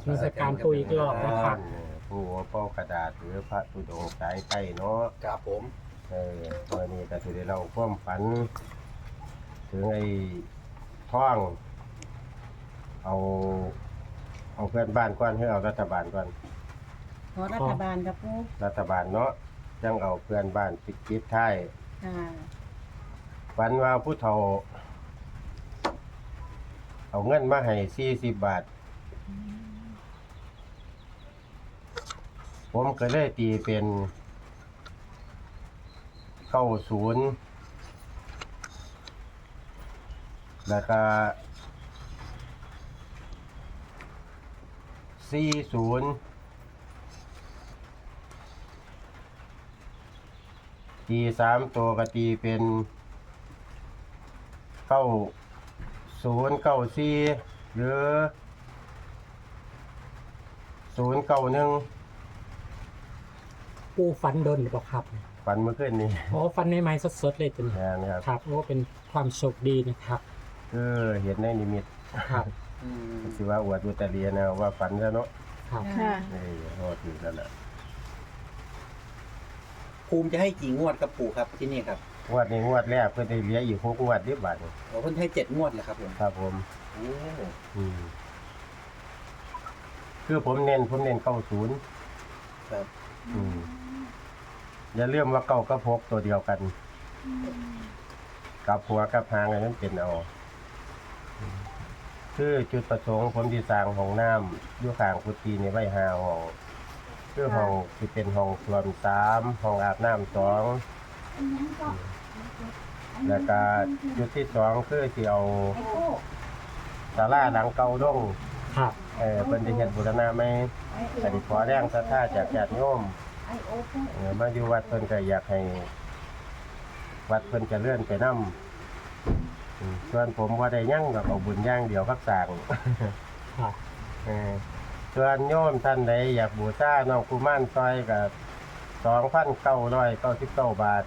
นมัสการปู่อีกรอบนะครับผู้เป้ากระดาษหรือพระธุดงค์สายใต้เนาะครับผมตัวนี้ก็สิได้เล่าความฝัน ถึงไอ้ท่อง เอาเพื่อนบ้านก่อนให้เอารัฐบาลก่อนขอรัฐบาลครับปูรัฐบาลเนาะจังเอาเพื่อนบ้านปิดท้ายค่ะฝันว่าผู้เฒ่า เอาเงินมาให้40 บาท ผมก็เลยตีเป็น90แล้วก็40ตี3ตัวก็ตีเป็น9094หรือ091 ปูฟันโดนหรือเปล่าครับฝันเมื่อคืนนี้โอ้ฟันใหม่ๆสดๆเลยเป็นนะครับครับโอ้เป็นความโชคดีนะครับเห็นในนิมิตครับสิว่าอวดอุตรินะว่าฝันซะเนาะครับค่ะโทษทีนั่นแหละภูมิจะให้กี่งวดครับปู่ครับที่นี่ครับงวดนี้งวดแรกเพิ่นได้เหลืออีก6งวดบาทนี่โอ้เพิ่นให้7งวดเหรอครับผมครับผมโอ้คือผมเน้น90 ครับอย่าลืมว่าเก้ากับ6ตัวเดียวกันกับหัวกับหางอันนั้นเป็นเอาคือจุดประสงค์ผมที่สร้างห้องน้ำอยู่ข้างกุฏินี่ไว้5ห้องคือห้องที่เป็นห้องส้วม3ห้องอาบน้ำ2แล้วก็จุดที่2คือสิเอาศาลาหลังเก่าลงครับเพิ่นได้เฮ็ดบูรณะใหม่ก็ได้ขอแรงศรัทธาจากญาติโยมมาอยู่วัดเพิ่นก็อยากให้วัดเพิ่นเจริญไปนำส่วนผมบ่ได้หยังก็เอาบุญอย่างเดียวกับสร้างครับส่วนโยมท่านใดอยากบูชาน้องกุมารซอยก็2,999 บาท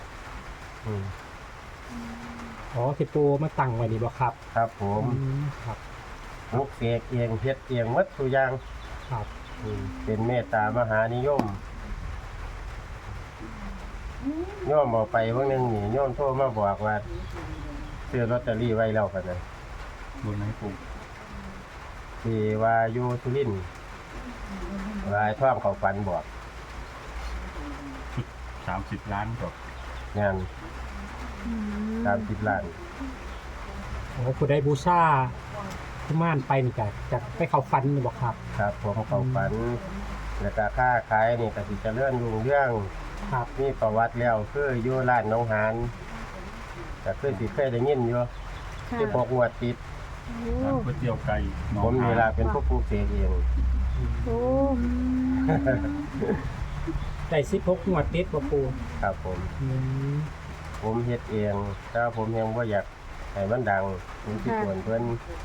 อ๋อที่ปูมาตั้งไว้นี่บ่ครับครับผมครับปลูกเสกเองเฮ็ดเองหมดทุกอย่างครับเป็นเมตตามหานิยมโยมเอาไปเบิ่งนึงนี่โยมโทรมาบอกว่าซื้อลอตเตอรี่ไว้แล้วกันนะบนไหนปู่ที่ว่าอยู่สุรินทร์ว่าไอ้ท่องเขาฝันบอก 30 ล้านกับงาน30 ล้านโอ้ผู้ได้บูชากุมารไปนี่จะไปเข้าฟันนี่บ่ครับครับผมเขาฝันแล้วก็ค้าขายนี่ก็สิเจริญรุ่งเรืองครับมีประวัติแล้วคืออยู่ร้านหนองหานก็คือสิเคยได้ยินอยู่ที่พกงวดติดร้านก๋วยเตี๋ยวไก่หนองผมนี่ล่ะเป็นผู้ปลูกเสกเองโอ้ได้16งวดติดบ่ปูครับผมอืมผมเฮ็ดเองแต่ว่าผมยังบ่อยากให้มันดังผมสิควรเพิ่น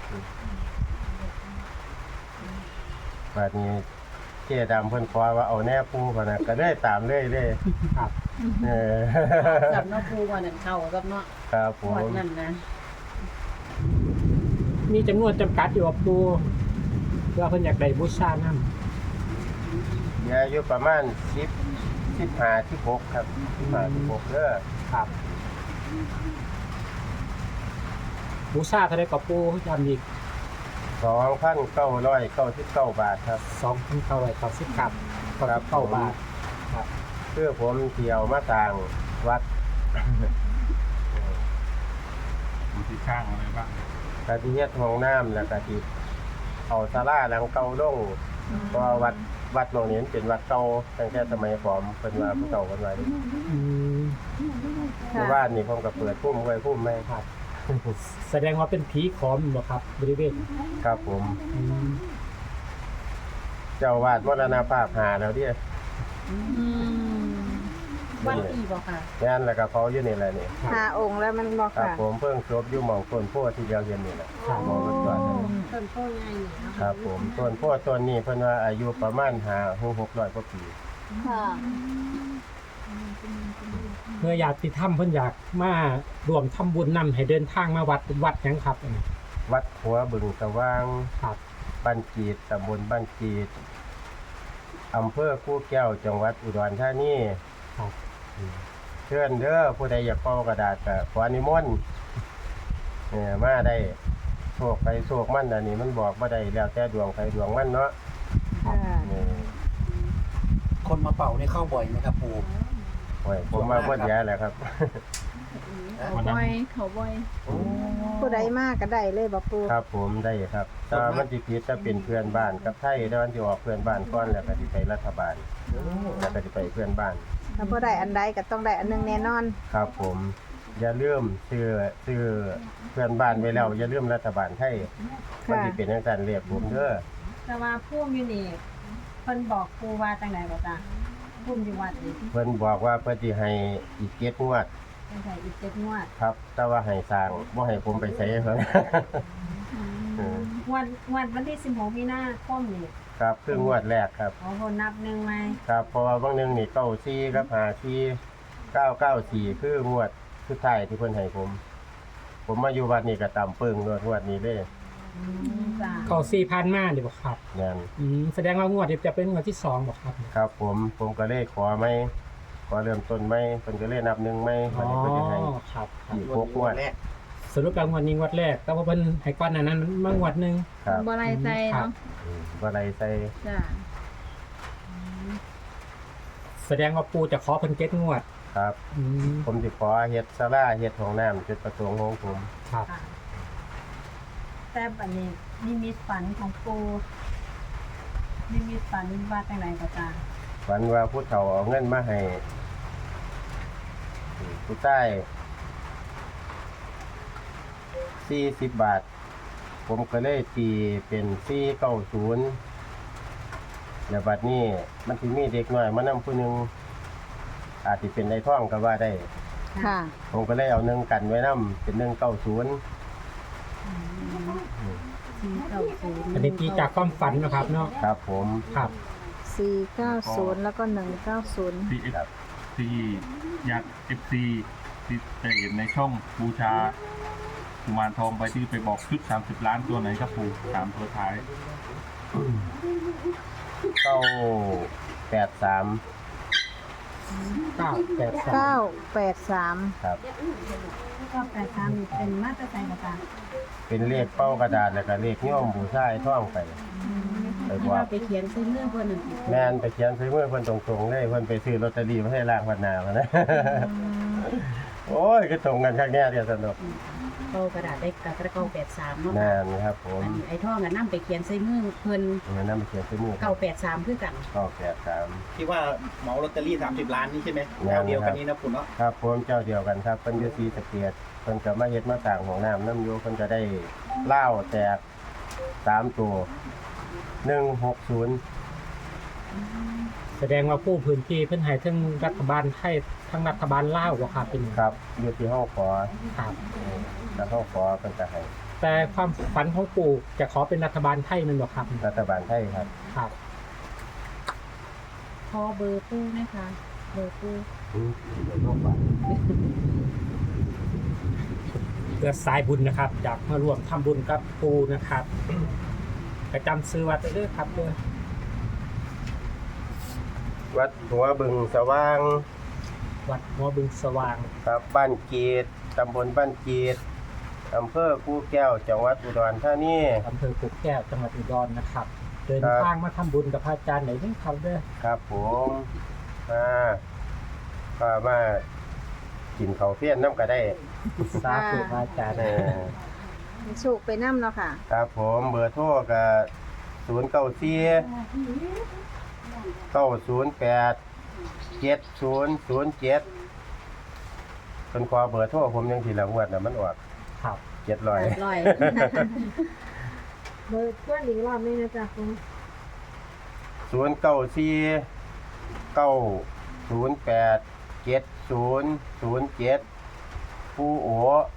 บัดนี้เจ๊ดำเพิ่นขอว่าเอาแน่ปูพุ่นน่ะก็ได้ตามเลยเด้ครับกับเนาะปูว่านั่นเข้ากับเนาะครับผหมดมนั่นนะมีจำนวนจำกัดอยู่บ่ปูเพื่อเพิ่นอยากได้บูชานำเหลืออยู่ประมาณ10 15 16ครับ15 16เด้อครับบูชาเท่าไรกับปูย้ำอีก 2,999 บาทครับ 2,990ครับครับ 9บาทครับคือผมเที่ยวมาต่างวัดอยู่ที่ข้างอะไรบ้างกะที่เฮ็ดห้องน้ำแล้วก็ที่เอาศาลาหลังเก่าลงเพราะว่าวัดหม้องนี้มันเป็นวัดเก่าตั้งแต่สมัยผมเพิ่นว่าผู้เก่าเพิ่นว่าอืมเพราะว่านี่ผมก็เปิดพุ่มไว้พุ่มแม่ครับแสดงว่าเป็นผีขอมบ่ครับบริเวณครับผมอืมเจ้าวาดมรณภาพหาแล้วเด้วันอีบ่ค่ะงานแล้วก็เผาอยู่นี่แหละนี่ 5 องค์แล้วมันบอกครับค่ะผมเพิ่งจบอยู่หม่องต้นโพธิ์ที่เดียวเห็นนี่แหละหมอก็จอดนั่นต้นโพใหญ่นี่เนาะครับผมต้นโพธิ์ต้นนี้เพิ่นว่าอายุประมาณ5-600 กว่าปีค่ะเมื่ออยากติดถ้ำเพิ่นอยากมารวมทำบุญนำให้เดินทางมาวัดหยังครับอันนี้วัดหัวบึงสว่างครับบ้านกีดตำบลบ้านกีดอำเภอกู้แก้วจังหวัดอุดรธานีครับเชิญเด้อผู้ใดอยากเป่ากระดาษก็ขอนิมนต์มาได้โชคไปโชคมันอันนี้มันบอกบ่ได้แล้วแต่ดวงใครดวงมันเนาะค่ะนี่คนมาเป่าเนี่ยเข้าบ่อยไหมครับปู่โอ้ยผมมาบ่แย่แหละครับเขาบ่อยเขาบ่อยผู้ใดมากก็ได้เลยบ่ปูครับผมได้ครับถ้ามันสิผิดจะเป็นเพื่อนบ้านกับไทยแล้วมันสิออกเพื่อนบ้านก่อนแล้วก็สิไปรัฐบาลแล้วก็สิไปเพื่อนบ้านถ้าบ่ได้อันใดก็ต้องได้อันหนึงแน่นอนครับผมอย่าลืมซื้อเพื่อนบ้านไว้แล้วอย่าลืมรัฐบาลไทยมันค่ะสิเป็นจังซั่นเรียกผมเด้อแต่ว่าผู้อยู่นี่เพิ่นบอกครูว่าจังไดบ่จ้ะผู้อยู่วัดนี่เพิ่นบอกว่าเพิ่นสิให้อีก7งวดจังไดอีก7งวดครับ แต่ว่าให้สร้างบ่ให้ผมไปใช้เพิ่นวันที่16มีนาคมนี่ครับคืองวดแรกครับเอาคนนับหนึ่งไหมครับเพราะว่าบางหนึงนี่94กับ54 994คืองวดสุดท้ายที่เพิ่นให้ผม ผมมาอยู่วัดนี่ก็ต่ำปึ้งงวดนี้เลยจ้ะเขา4,000มาเดี๋ยวบ่ครับนั่นแสดงว่างวดนี้จะเป็นงวดที่2บ่ครับครับผมก็เลยขอไหมขอเริ่มต้นไหมเพิ่นก็เลยนับหนึ่งไหมอ๋วัอนนี้เพิ่นจะให้ครับครับอีก6งวดแรกสรุปแล้วงวดนี้งวดแรก แต่ว่าเพิ่นให้ก่อนหน้านั้นมางวดหนึงครับบ่ไรใจเนาะบ่ได้ใส่จ้ะแสดงว่าปู่จะขอเพิ่นเก็ตงวดครับอืมผมสิขอเฮ็ดศาลาเฮ็ดห้องน้ำจุดประสงค์ของผมครับค่ะแต่บัดนี้นิมิตฝันของปูนิมิตฝันว่าจังไดก็จ้ะฝันว่าผู้เฒ่าเอาเงินมาให้ผู้ใต้40 บาท ผมก็เลยตีเป็น490แล้วบัดนี้มันสิมีเด็กน้อยมานำผู้หนึงอาจสิเป็นในท้องก็ว่าได้ค่ะผมก็เลยเอา1กันไว้นํเป็น190 อันนี้ตีจากความฝันนะครับเนาะครับผมครับ 490 แล้วก็ 190 ที่ที่อยาก FC ที่จะเห็นในช่องบูชากุมารทองไปที่ไปบอกชุด30 ล้านตัวไหนครับปู่3ตัวท้าย 983 983 983 ครับก็แต่ตามเป็นมาตรใจก็จ้ะเป็นเลขเป้ากระดาษแล้วก็เลขโย่อมบูชาไอ้ท่องไปไปบอกไปเขียนใส่เรื่องเพิ่นนั่นแม่นไปเขียนซื้อมือเพิ่นตรงๆเลยเพิ่นไปซื้อลอตเตอรี่มาให้ล่างพันนาพุ่นนะ โอ้ยก็ตรงกันคักแน่เดียวสนุกเป้ากระดาษได้กระเก้า83เนาะแม่นครับผมไอ้ท่องก็นำไปเขียนใส่มือเพิ่นงั้นนำไปเขียนซื้อมือ 983คือกัน 983 ที่ว่าเหมาลอตเตอรี่30 ล้านนี่ใช่ไหมแน่แนนอนวเดียวกันนี้นะปู่เนาะครับผมเจ้าเดียวกันครับเพิ่นอยู่ศรีสะเกษเพิ่นก็มาเฮ็ดมาสร้างห้องน้ำน้ำอยู่เพิ่นก็ได้เหล้าแตก3ตัว160 แสดงว่าผู้พื้นที่เพิ่นให้ทั้งรัฐบาลไทยทั้งรัฐบาลลาวบ่ครับเป็นครับอยู่ที่ห้องขอครับแล้วห้องขอเพิ่นก็ให้แต่ความฝันของปู่จะขอเป็นรัฐบาลไทยแมันบ่ครับรัฐบาลไทยครับครับขอเบอร์ปูนะคะเบอร์ปูเดี๋ยวโลกบาทเพื่อสายบุญนะครับอยากมาร่วมทำบุญกับปู่นะครับประจำซื้อวัดเด้อครับเด้อวัดหัวบึงสว่างวัดหัวบึงสว่างครับบ้านกีดตำบลบ้านกีดอำเภอกู่แก้วจังหวัดอุดรธานีอำเภอกุกแก้วจังหวัดอุดรนะครับ เดินครับทางมาทำบุญกับพระอาจารย์ไหนนี่ครับเด้อครับผมก็มากินข้าวเพี้ยนน้ำก็ได้สาธุพระอาจารย์เออสุกไปน้ำเนาะค่ะครับผมเบอร์โทรก็094 908 7007เป็นขอเบอร์โทรผมยังทีละงวดน่ะมันออกครับ 700 ร้อยเบอร์เพื่อนอีกรอบนึงนะจ๊ะคุณ 094 908 7007ผู้โอ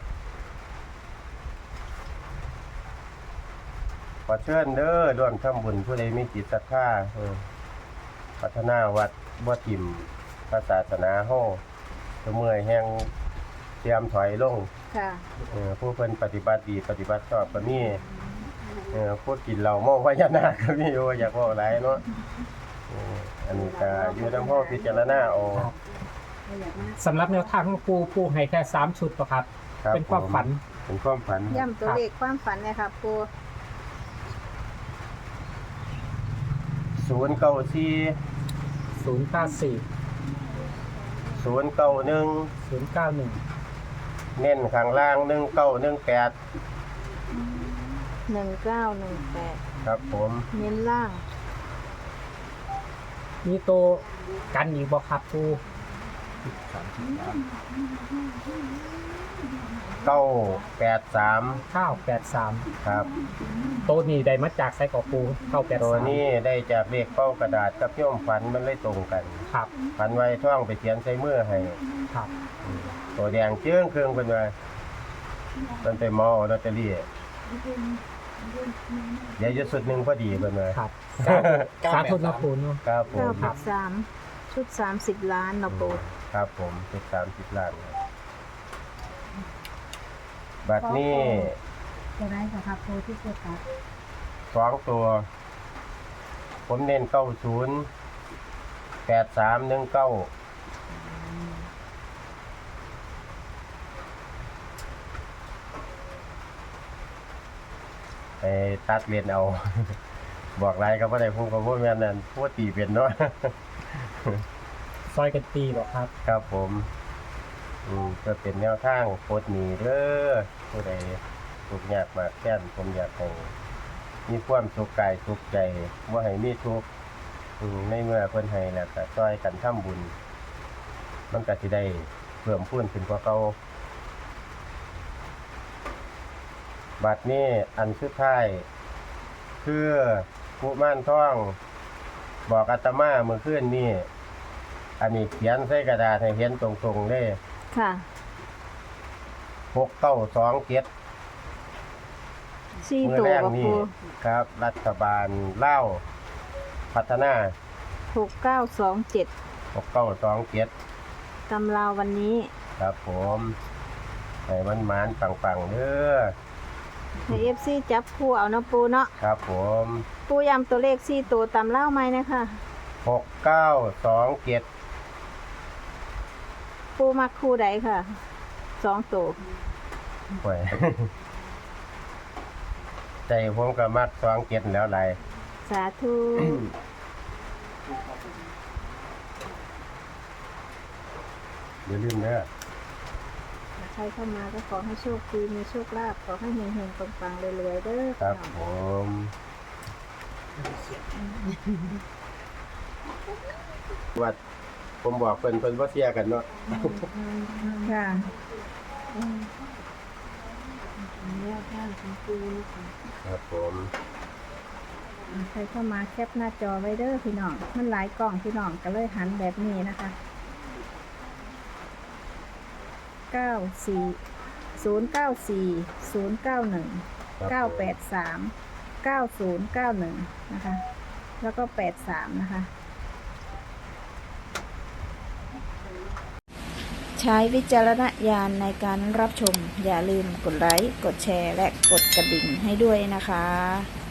ขอเชิญเด้อร่วมทำบุญผู้ใดมีจิตศรัทธาพัฒนาวัดบ่ทิมพระศาสนาเฮาเมื่อยแห่งเตรียมถอยลงค่ะผู้เพิ่นปฏิบัติดีปฏิบัติชอบก็มีพูดกินเหล้าเมาพญานาคก็มีอยู่อยากบอกหลายเนาะอันนี้ก็อยู่นำพ่อพิจารณาเอาสำหรับแนวทางของปูให้แค่3ชุดป่ะครับครับเป็นความฝันเป็นความฝันย่ำตัวเลขความฝันเนี่ยค่ะปู 094 094 091 091 เน้นข้างล่าง1918 1918 ครับผมเน้นล่างมีตัวกันอีกบ่ครับปู 983 983 ครับตัวนี้ได้มาจากไซกอปู983 ตัวนี้ได้จากเลขเป้ากระดาษกับโยมฝันมันเลยตรงกันครับฝันไว้ท่องไปเขียนใส่มือให้ครับตัวแดงเจื้องเครื่องเป็นไงมันไปเมาเอาลอตเตอรี่เดี๋ยวจะสุดหนึ่งพอดีเป็นไงครับสาธุนะปูเนาะครับผม 983ชุด30 ล้านเนาะปูครับผมเป็น30 ล้านครับบัตรนี้จะได้ค่ะครับปูที่เกิดครับ 2 ตัว ผมเน้น90 8319ไปตัดเรียนเอา บอกไรก็บ่ได้พูดกับพวกแม่นนั่นพูดตีเป็นเนาะซอยกันตีบ่ครับครับผมก็เป็นแนวทางโคตรหนีเด้อผู้ใดทุกข์ยากมากแค้นผมอยากให้มีความสุขกายสุขใจบ่ให้มีทุกข์ในเมื่อเพิ่นให้แล้วก็ช่วยกันทำบุญ มันก็สิได้เพิ่มพูนขึ้นกว่าเก่าบัดนี้อันสุดท้ายคือกุมารทองบอกอาตมาเมื่อคืนนี้อันนี้เขียนใส่กระดาษให้เห็นตรงๆเลยค่ะ 6927 4 มื้อตัวแรกบ่นี่ปูครับ รัฐบาลลาวพัฒนา 6927 6927 ตำราววันนี้ครับผมให้มันหมานปังๆเด้อให้ FC จับคู่เอาเนาะปูเนาะครับผมปูย้ำตัวเลข4ตัวตำราวไหมนะคะ 6927 ปูมักคู่ใดค่ะ2ตัวโอ้ย ใจผมก็มัก27แล้วหลายสาธุอย่าลืมเด้อใครเข้ามาก็ขอให้โชคดีมีโชคลาภขอให้เฮงๆปังๆรวยๆเด้อครับผม วัดผมบอกเพิ่นบ่เสียกันเนาะค่ะแนวทางของปูนะคะครับผมใครเข้ามาแคปหน้าจอไว้เด้อพี่น้องมันหลายกล่องพี่น้องก็เลยหันแบบนี้นะคะ094 091 983 9091นะคะแล้วก็83นะคะใช้วิจารณญาณในการรับชมอย่าลืมกดไลค์กดแชร์และกดกระดิ่งให้ด้วยนะคะ